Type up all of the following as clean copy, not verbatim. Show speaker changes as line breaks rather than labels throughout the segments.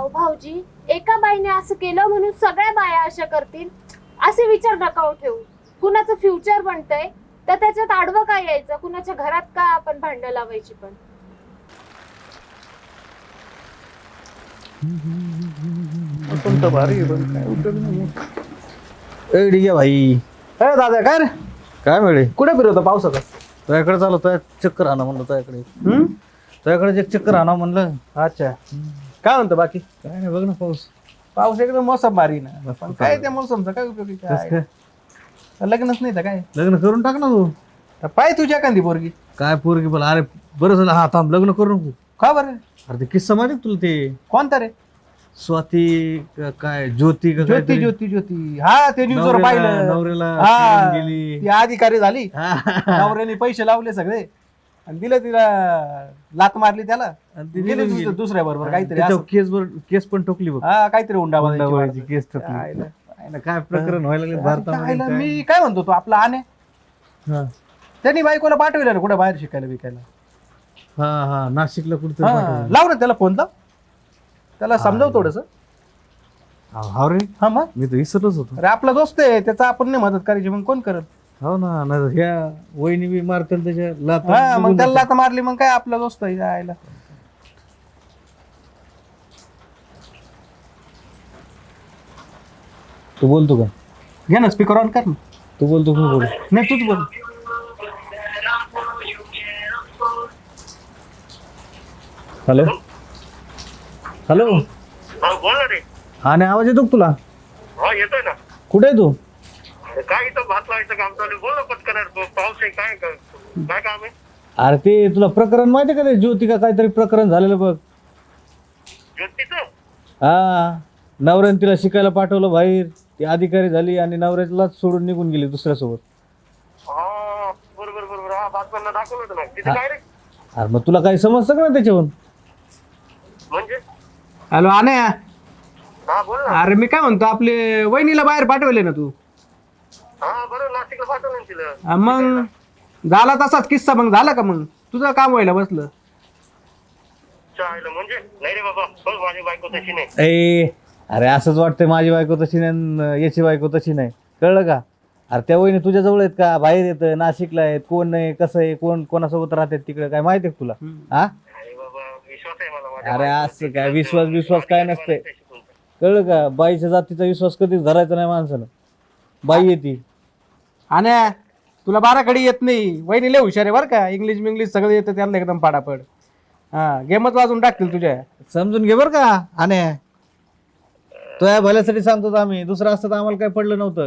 अहो भाऊजी, एका बाईने असं केलं म्हणून सगळ्या बाया अशा करतील असे विचार नका ठेवू. कुणाचं फ्युचर बनतंय तर त्याच्यात आडवं काय यायचं, कुणाच्या घरात का आपण भांडण लावायची. पण
भारी काय उपयोग नाही.
ठीक आहे भाई.
अरे दादा काय रे,
काय मिळे
कुठे फिरवतो पावसाचा?
तुझ्याकडे चालू तुझ्या चक्कर आणा म्हणलं तुझ्याकडे. तुझ्याकडे एक चक्कर आणा म्हणलं.
अच्छा, काय म्हणतो बाकी?
काय नाही बघ ना पाऊस.
पाऊस एकदम मोसम भारी ना, पण काय त्या मोसमचा काय उपयोग आहे?
कसं काय?
लग्नच नाही तर काय?
लग्न करून टाक ना तू.
तर पाय तुझ्या एखादी पोरगी.
काय पोरगी बोला. अरे बरं झालं. हा थांब, लग्न करू नको.
का बरं?
अरे ते किस्सा माहिती तुला ते
कोणता रे?
स्वाती काय ज्योती का
ज्योती
काहीतरी?
ज्योती ज्योती, हा ते न्यूजवर पाहिलं.
नवऱ्याला
हा,
सोडून गेली.
ती अधिकारी झाली.
हा.
नवऱ्याने पैसे लावले सगळे आणि दिलं तिला, लात मारली त्याला
आणि ती
गेली
निघून गेली.
दुसऱ्या बरोबर काहीतरी
त्याच्यावर
असं.
केस पण ठोकली बघ.
हा, काहीतरी
हुंडाबळाची
हुंडाबळाची
केस ठोकली.
आईला.
आहे ना, काय प्रकरण व्हायला लागले भारतामध्ये काय?
मी काय म्हणतो, तो आपला आणे
हा
त्यांनी बायकोला पाठवलं ना कुठे बाहेर शिकायला बिकायला.
हा हा, नाशिकला कुठं
हा, लाव ना त्याला फोन, लाव त्याला समजाव थोडस.
हा रे,
हा मग,
मी तर विसरलोच होतो.
अरे आपला दोस्त आहे त्याचा, आपण नाही मदत करायची मग कोण करत?
हो ना, नाही ह्या वहिनी बी मारतील त्याच्या लाथा.
हा, मग
निघून
त्याला
जातात.
लात मारली मग काय, आपला दोस्त आहे जायला.
तू बोलतो का?
घे ना स्पीकर ऑन कर ना.
तू बोलतो का बोल?
नाही तूच बोल.
Hello hello.
बोल ना रे.
हा नाही, आवाज येतो का तुला?
हा येतोय ना.
कुठे आहे तू?
काय इथं भात लावायचं काम चालू आहे. बोल ना पटकन यार. पाऊस आहे काय काय काम आहे?
अरे ते तुला प्रकरण माहिती आहे का, ते ज्योती का काहीतरी प्रकरण झालेलं बघ.
ज्योतीचं?
हा, नवऱ्याने तिला शिकायला पाठवलं बाहेर, ती अधिकारी झाली आणि नवऱ्यालाच सोडून निघून गेली दुसऱ्यासोबत.
हा बरोबर बरोबर. हा बातम्यांना दाखवलं होतं ना. तिथे काय रे?
अरे मग तुला काही समजतं का ना त्याच्यावरून?
म्हणजे?
हॅलो आण्या,
हा बोल ना.
अरे मी काय म्हणतो, आपले वहिनीला बाहेर पाठवले ना तू?
हा बरोबर, नाशिकला पाठवलं ना तिला.
हा, मग झाला तसाच किस्सा. मग झाला का मग तुझं काम व्हायला बसलं?
चायला म्हणजे? नाही रे बाबा, बघ माझी बायको तशी नाही.
ए अरे असंच वाटतंय, माझी बायको तशी नाही न याची बायको तशी नाही, कळलं का? अरे त्या वहिनी तुझ्या जवळ आहेत का? बाहेर येतं, नाशिकला आहेत, कोण नाही, कसं आहे, कोण कोणासोबत राहतात तिकडे, काय माहिती आहे तुला? हा,
अरे बाबा विश्वास आहे मला माझ्या
अरे
बायकोवर.
असं काय विश्वास काय नसतंय, कळलं का? बाईच्या जातीचा विश्वास कधीच धरायचा नाही माणसानं. बाई येते.
आण्या, तुला बाराखडी येत नाही. वहिनी लय हुशार आहे बरं का, इंग्लिश मिंग्लिश सगळं येतं त्यांना एकदम पाडापड. हा, गेमच वाजून टाकतील तुझ्या.
समजून घे बरं का. आणि तो या भल्यासाठी सांगतो आम्ही, दुसरं असतं तर आम्हाला काय पडलं नव्हतं.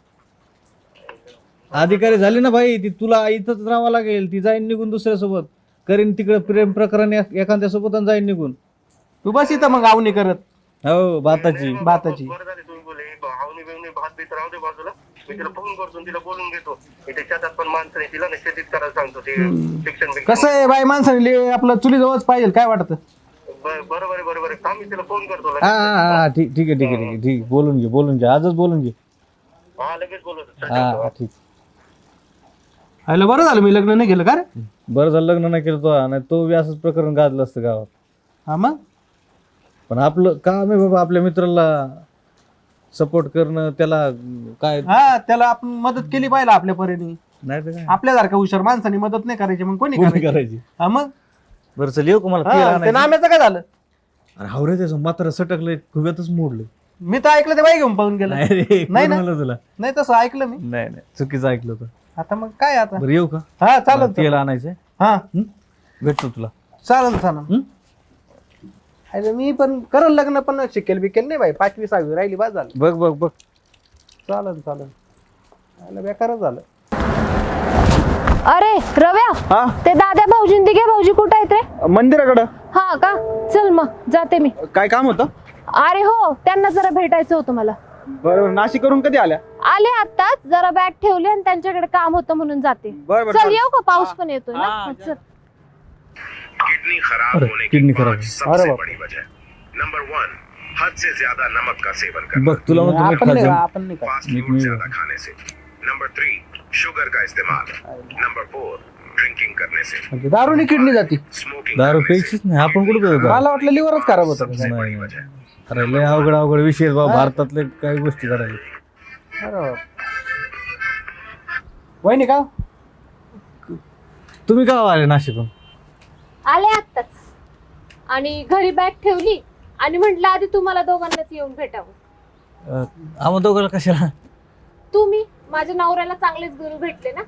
अधिकारी झाली ना बाई, ती तुला इथंच राहावं लागेल. ती जाईन निघून दुसऱ्यासोबत, करीन तिकडे प्रेम प्रकरण एखाद्या सोबत आणि जाईन निघून.
तू बस इथं मग आवणी करत
हो, भाताची.
भाताची.
बरं झाले तुम्ही बोले. हावणी बिवणी भात बीत राहू दे बाजूला. मी तिला फोन करतो आणि तिला बोलून घेतो. इथे शेतात पण माणसं नाही, तिला ना शेतीत करायला सांगतो. ते शिक्षण
कसं आहे बाई, माणसाने आपलं चुली जवळच पाहिजे. काय वाटतं?
बरोबर आहे बरोबर आहे. थांब मी तिला फोन करतो
हा
लगेच.
हा हा, ठीक ठीक आहे ठीक आहे ठीक आहे ठीक आहे. बोलून घे आजच बोलून घे.
हा लगेच बोलवतो.
हा हा, ठीक.
हॅलो, बरं झालं मी लग्न नाही केलं का रे?
बरं झालं लग्न नाही केलं तो, नाही तो बी असंच प्रकरण गाजलं असतं गावात.
हा मग,
पण आपलं काम आहे बाबा, आपल्या मित्राला सपोर्ट करणं, त्याला काय
हा त्याला आपण मदत केली पाहिजे आपल्या परीने.
नाही तर काय
आपल्यासारख्या हुशार माणसाने मदत नाही करायची, मग कोणी
कोणी
करायची?
करायची.
हा मग,
बरं चल येऊ का, मला तेल
हा, ते
आणायचं.
नाम्याचं काय झालं?
अरे हावरे, त्याचं मात्र सटकलंय, खुब्यातच मोडलं.
मी तर ऐकलं ते बाई घेऊन पळून गेलं.
नाही रे,
नाही
कोण
ना?
म्हणलं तुला?
नाही तसं ऐकलं मी.
नाही नाही, चुकीचं ऐकलं होतं.
आता मग काय आता?
बरं येऊ का?
हा चालेल
तेल आणायचंय.
हा
भेटतो तुला.
चालेल चालेल.
हं?
अरे मी पण करल लग्न, पण शिकेल बिकेल नाही बाई. 5वी 6वी राहिली बस झालं.
बघ बघ बघ.
चालेल चालेल. अरे बेकारच झालं.
अरे रव्या,
हा,
ते दादा भाऊजी आणि दिघे भाऊजी कुठे आहेत रे?
मंदिराकडं.
हा का, चल मग जाते मी.
काय काम होतं?
अरे हो, त्यांना जरा भेटायचं होतं मला.
बरोबर. नाशिक करून कधी आल्या?
आले आत्ताच, जरा बॅग ठेवली आणि त्यांच्याकडे काम होतं म्हणून जाते.
बरोबर.
चल येऊ का, पाऊस पण येतोय ना.
हा,
चल.
किडनी खराब
अरे,
होने
किडनी
की
खराब
पांच
है।
सबसे
अरे बाप।
बड़ी वजह. नंबर 1, हद से ज्यादा नमक का सेवन करना.
बघ तुला म्हणतो मीठ
आपण नाही
खायचं.
आपण नाही का.
फास्ट
मीठ
फूड
नहीं
ज्यादा खाने से. नंबर 3, शुगर का इस्तेमाल. नंबर 4, ड्रिंकिंग करने से,
म्हणजे दारूनी किडनी जाती.
स्मोकिंग
दारू प्यायचीच नाही, आपण कुठं करतो?
मला वाटलं लिव्हरच खराब होतं का काय?
नाही नाही. अरे लय अवघड विषय आहेत बाबा, भारतातले काही गोष्टी करायला.
अरे बाप. वहिनी का
तुम्ही का आले नाशिकहून?
आले आत्ताच आणि घरी बॅग ठेवली आणि म्हटलं आधी तुम्हाला दोघांनाच येऊन भेटावं.
आम्हा दोघांना कशाला?
तुम्ही माझ्या नवऱ्याला चांगलेच गुरु भेटले ना.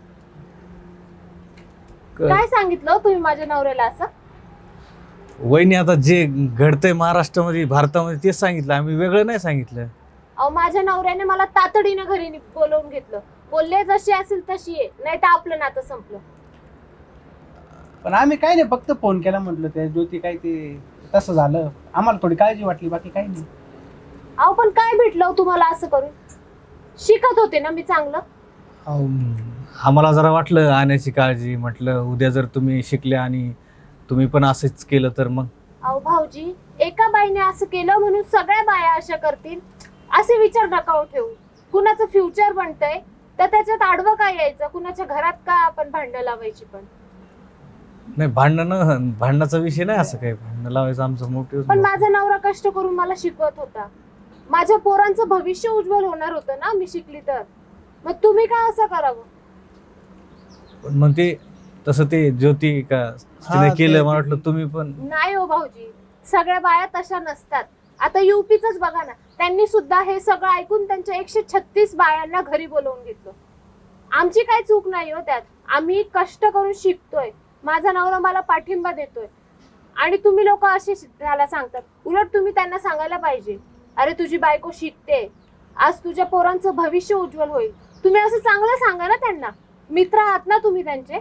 काय सांगितलं हो तुम्ही माझ्या नवऱ्याला असं?
वहिनी आता जे घडतंय महाराष्ट्रामध्ये भारतामध्ये तेच सांगितलं, आम्ही वेगळं नाही सांगितलं.
अहो माझ्या नवऱ्याने मला तातडीनं घरी बोलवून घेतलं. बोलले जशी असेल तशी आहे, नाही तर आपलं नातं संपलं.
पण आम्ही काय नाही, फक्त फोन केला म्हटलं ते ज्योती काय ते तसं झालं, आम्हाला थोडी काळजी वाटली, बाकी काही नाही.
अहो पण काय भेटलं हो तुम्हाला असं करून? शिकत होते ना मी चांगलं.
आम्हाला जरा वाटलं आण्याची काळजी, म्हटलं उद्या जर तुम्ही शिकल्या आणि तुम्ही पण असंच केलं तर मग.
अहो भाऊजी, एका बाईने असं केलं म्हणून सगळ्या बाया अशा करतील असे विचार नका हो ठेवू. कुणाचं फ्युचर बनतंय तर त्याच्यात आडवं काय यायचं? कुणाच्या घरात का आपण भांडण लावायची?
नाही, भांडणाचा विषय नाही, असं काही भांडणं लावायचं आमचं मोठं.
पण माझा नवरा कष्ट करून मला शिकवत होता. माझ्या पोरांचं भविष्य उज्ज्वल होणार होतं ना मी शिकली तर. मग तुम्ही का असं करावं?
पण मग ते तसं ते ज्योती का तिने केलं, मला वाटलं तुम्ही पण.
नाही हो भाऊजी, सगळ्या बाया तशा नसतात. आता युपीच बघा ना, त्यांनी सुद्धा हे सगळं ऐकून त्यांच्या 136 बायांना घरी बोलवून घेतलं. आमची काय चूक नाही हो त्यात. आम्ही कष्ट करून शिकतोय, माझा नवरा मला पाठिंबा देतोय आणि तुम्ही लोक असे त्याला सांगतात. उलट तुम्ही त्यांना सांगायला पाहिजे, अरे तुझी बायको शिकते, आज तुझ्या पोरांचं भविष्य उज्ज्वल होईल. तुम्ही असं चांगलं सांगा ना त्यांना. मित्र आहात ना तुम्ही त्यांचे.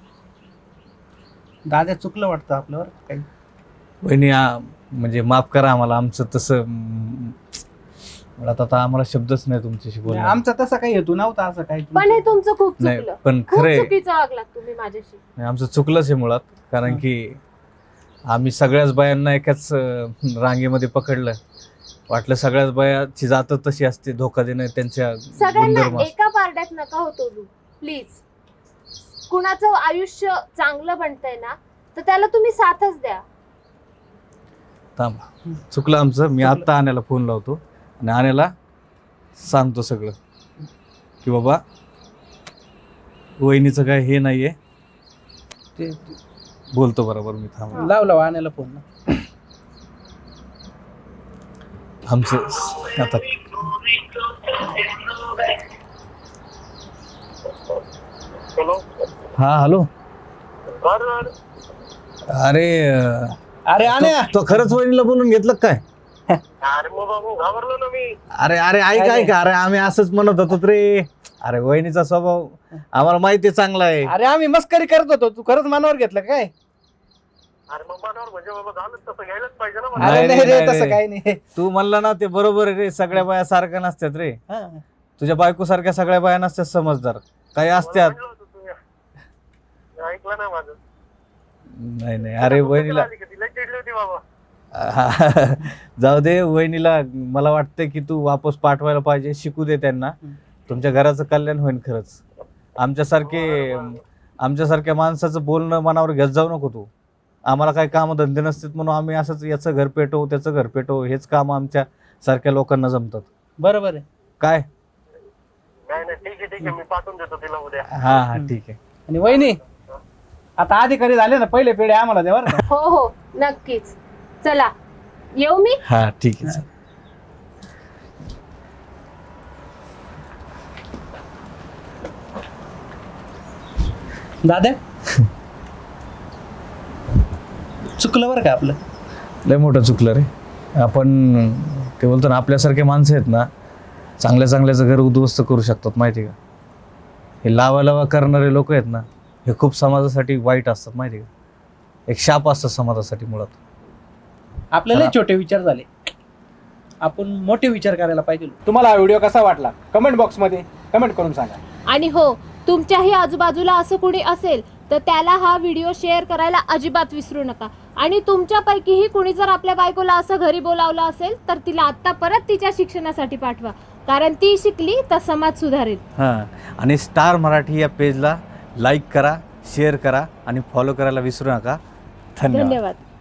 दादा चुकलं वाटतं आपल्यावर काही.
वहिनी म्हणजे माफ करा आम्हाला, आमचं तसं मला आता आम्हाला शब्दच नाही तुमच्याशी बोलायला.
आमचा तसा काही हेतू नव्हता असं काही.
पण हे तुमचं खूप
नाही,
चुकलं.
पण
खूप
खरंय
चुकीचं वागलात तुम्ही माझ्याशी.
नाही, आमचं चुकलंच आहे मुळात. कारण की आम्ही सगळ्याच बायांना एकाच रांगेमध्ये पकडलं. वाटलं सगळ्याच बायाची जात तशी असते, धोका देणं त्यांच्या
सगळ्यांना
गुणधर्म.
एका पारड्यात नका होतो प्लीज. कुणाचं आयुष्य चांगलं बनतंय ना तर त्याला तुम्ही साथच द्या.
थांबा, चुकलं आमचं. मी आत्ता आण्याला फोन लावतो आणि आण्याला सांगतो सगळं की बाबा वहिनीचं काय हे नाहीये.
ते
बोलतो बरोबर मी. थांबा,
लावला आणायला फोन.
आमचं आता
हॅलो.
हा हॅलो. अरे
अरे आण्या,
तो खरंच वहिनीला बोलून घेतलं काय?
अरे मग बाबू घाबरलो ना मी.
अरे अरे ऐक अरे आम्ही असंच म्हणत होतो रे. अरे वहिनीचा स्वभाव आम्हाला माहिती आहे चांगला आहे.
अरे आम्ही मस्करी करत होतो, तू खरंच मनावर घेतलं काय?
अरे मग मनावर म्हणजे बाबा झालं तसं घ्यायलाच पाहिजे ना.
नाही,
अरे नाही रे,
नाही,
तसं
नाही.
काही नाही.
तू म्हणला ना ते बरोबर आहे रे. सगळ्या बाया सारख्या नसतात रे.
हा.
तुझ्या बायको सारख्या सगळ्या बाया नसतात, समजदार काही असतात.
म्हणलं होतं तुम्ही. ऐकलं ना माझं.
नाही नाही अरे वहिनीला
तिला चिडली होती बाबा.
जाऊ दे वहिनीला. मला वाटतं की तू वापस पाठवायला पाहिजे, शिकू दे त्यांना. तुमच्या घराचं कल्याण होईल खरंच. आमच्यासारख्या माणसाचं बोलणं मनावर घेत जाऊ नको तू. आम्हाला काही काम धंदे नसतात म्हणून आम्ही असंच याचं घर पेटवू त्याचं घर पेटवू हेच काम आमच्या सारख्या लोकांना जमतात.
बरोबर आहे.
काय?
नाही नाही ठीक आहे मी पाठवून देतो तिला उद्या.
हा हा ठीक आहे.
आणि वहिनी आता अधिकारी झाले ना, पहिले पेढे आम्हाला द्या बरं का.
हो हो नक्कीच. चला येऊ मी.
हा ठीक आहे.
दादा चुकलं बरं का आपलं.
लय मोठं चुकलं रे. आपण ते बोलतो ना, आपल्यासारखे माणसं आहेत ना, चांगल्या चांगल्याचं घर उद्ध्वस्त करू शकतात माहिती का. हे लावा करणारे लोक आहेत ना, हे खूप समाजासाठी वाईट असतात माहिती का. एक शाप असतं समाजासाठी मुळात.
आपले लय छोटे विचार झाले, आपण मोठे विचार करायला पाहिजे. तुम्हाला हा व्हिडिओ कसा वाटला कमेंट बॉक्स मध्ये कमेंट करून सांगा.
आणि हो, तुमच्याही आजूबाजूला असं कुणी असेल तर त्याला हा व्हिडिओ शेअर करायला अजिबात विसरू नका. आणि तुमच्यापैकीही कुणी जर आपल्या बायकोला असं घरी बोलावलं असेल तर तिला आत्ता परत तिच्या शिक्षणासाठी पाठवा, कारण ती शिकली तर समाज सुधारेल.
हां, आणि स्टार मराठी या पेजला लाईक करा, शेअर करा आणि फॉलो करायला विसरू नका. धन्यवाद.
धन्यवाद.